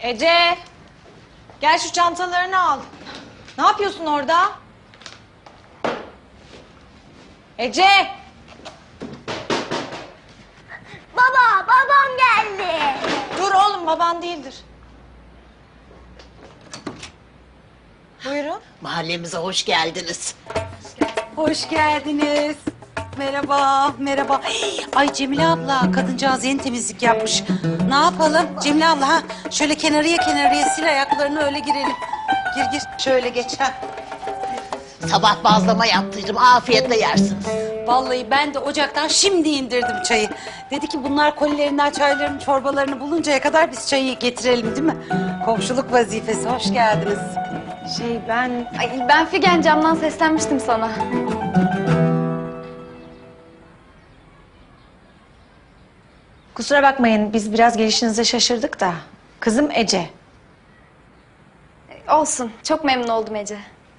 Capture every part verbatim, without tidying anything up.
Ece, gel şu çantalarını al. Ne yapıyorsun orada? Ece! Baba, babam geldi. Dur oğlum, baban değildir. Buyurun. Mahallemize hoş geldiniz. Hoş geldiniz. Merhaba, merhaba. Ay Cemile abla, kadıncağız yeni temizlik yapmış. Ne yapalım Cemile abla? Ha? Şöyle kenarıya kenarıya sil ayaklarını öyle girelim. Gir gir, şöyle geç ha. Sabah bazlama yaptıydım, afiyetle yersiniz. Vallahi ben de ocaktan şimdi indirdim çayı. Dedi ki bunlar kolilerinden çaylarını, çorbalarını buluncaya kadar biz çayı getirelim değil mi? Komşuluk vazifesi, hoş geldiniz. Şey ben... Ay, ben Figen camdan seslenmiştim sana. Kusura bakmayın, biz biraz gelişinize şaşırdık da. Kızım Ece. Olsun. Çok memnun oldum Ece.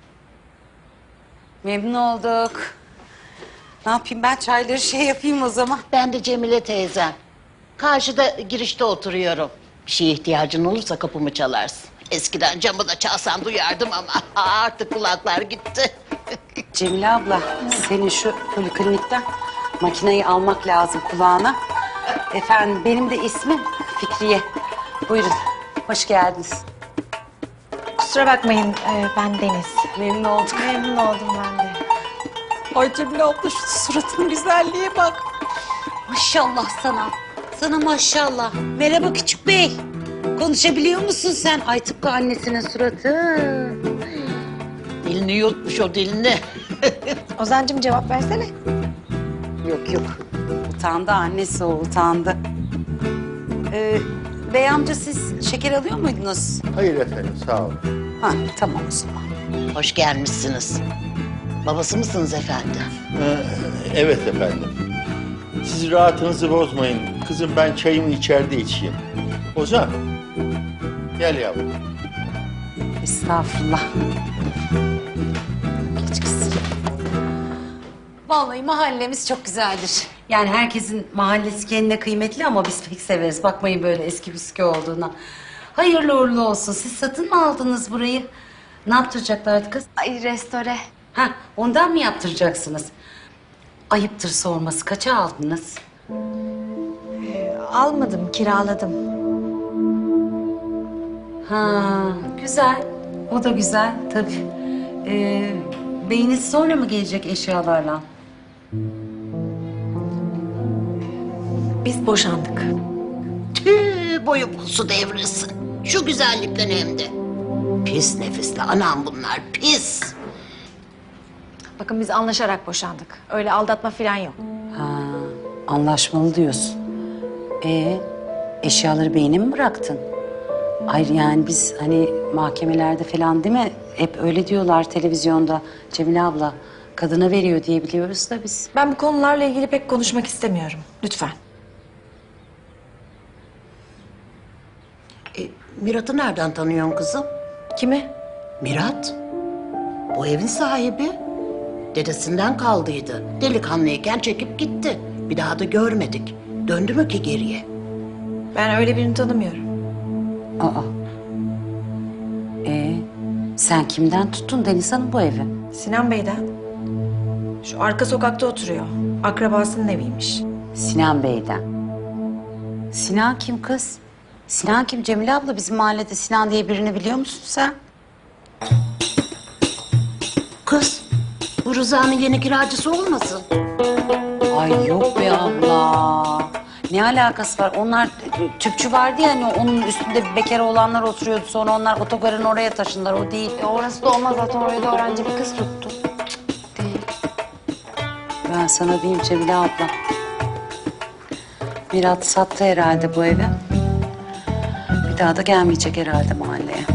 Memnun olduk. Ne yapayım ben çayları şey yapayım o zaman. Ben de Cemile teyzem. Karşıda girişte oturuyorum. Bir şeye ihtiyacın olursa kapımı çalarsın. Eskiden camı da çalsan duyardım ama artık kulaklar gitti. Cemile abla, senin şu poliklinikten makineyi almak lazım kulağına. Efendim, benim de ismim Fikriye. Buyurun, hoş geldiniz. Kusura bakmayın, e, ben Deniz. Memnun olduk. Memnun oldum ben de. Ay Cemile abla, şu suratının güzelliğe bak. Maşallah sana, sana maşallah. Merhaba küçük bey. Konuşabiliyor musun sen? Ay tıpkı annesinin suratı. Dilini yutmuş o dilini. Ozancığım cevap versene. Yok yok, utandı annesi o, utandı. Ee, bey amca siz şeker alıyor muydunuz? Hayır efendim, sağ olun. Ha, tamam o zaman. Hoş gelmişsiniz. Babası mısınız efendim? Ee, evet efendim. Siz rahatınızı bozmayın. Kızım ben çayımı içeride içeyim. Ozan, gel yavrum. Estağfurullah. Geç kızım. Vallahi mahallemiz çok güzeldir. Yani herkesin mahallesi kendine kıymetli ama biz pek severiz. Bakmayın böyle eski püskü olduğuna. Hayırlı uğurlu olsun. Siz satın mı aldınız burayı? Ne yaptıracaklardı kız? Ay restore. Ha, ondan mı yaptıracaksınız? Ayıptır sorması. Kaça aldınız? Almadım, kiraladım. Ha, güzel. O da güzel tabii. Ee, beyiniz sonra mı gelecek eşyalarla? Biz boşandık. Tüh, boyu pusu devrilsin. Şu güzellikten hem de. Pis nefisli anam bunlar, pis. Bakın biz anlaşarak boşandık. Öyle aldatma falan yok. Ha, anlaşmalı diyorsun. Ee, eşyaları beyine mi bıraktın? Hayır yani biz hani mahkemelerde falan değil mi? Hep öyle diyorlar televizyonda. Cemile abla kadına veriyor diye biliyoruz da biz. Ben bu konularla ilgili pek konuşmak istemiyorum. Lütfen. E, Mirat'ı nereden tanıyorsun kızım? Kimi? Mirat, bu evin sahibi. Dedesinden kaldıydı. Delikanlıyken çekip gitti. Bir daha da görmedik. Döndü mü ki geriye? Ben öyle birini tanımıyorum. Aa. Ee, sen kimden tuttun Deniz Hanım bu evi? Sinan Bey'den. Şu arka sokakta oturuyor. Akrabasının eviymiş. Sinan Bey'den. Sinan kim kız? Sinan kim Cemile abla? Bizim mahallede Sinan diye birini biliyor musun sen? Kız, bu Rıza'nın yeni kiracısı olmasın? Ay yok be abla. Ne alakası var? Onlar tüpçü vardı ya hani onun üstünde bekar olanlar oturuyordu. Sonra onlar otogarın oraya taşındılar. O değil. E, orası da olmaz zaten oraya da öğrenci bir kız tuttu. Değil. Ben sana diyeyim Cemile abla. Mirat sattı herhalde bu evi. Bir daha da gelmeyecek herhalde mahalleye.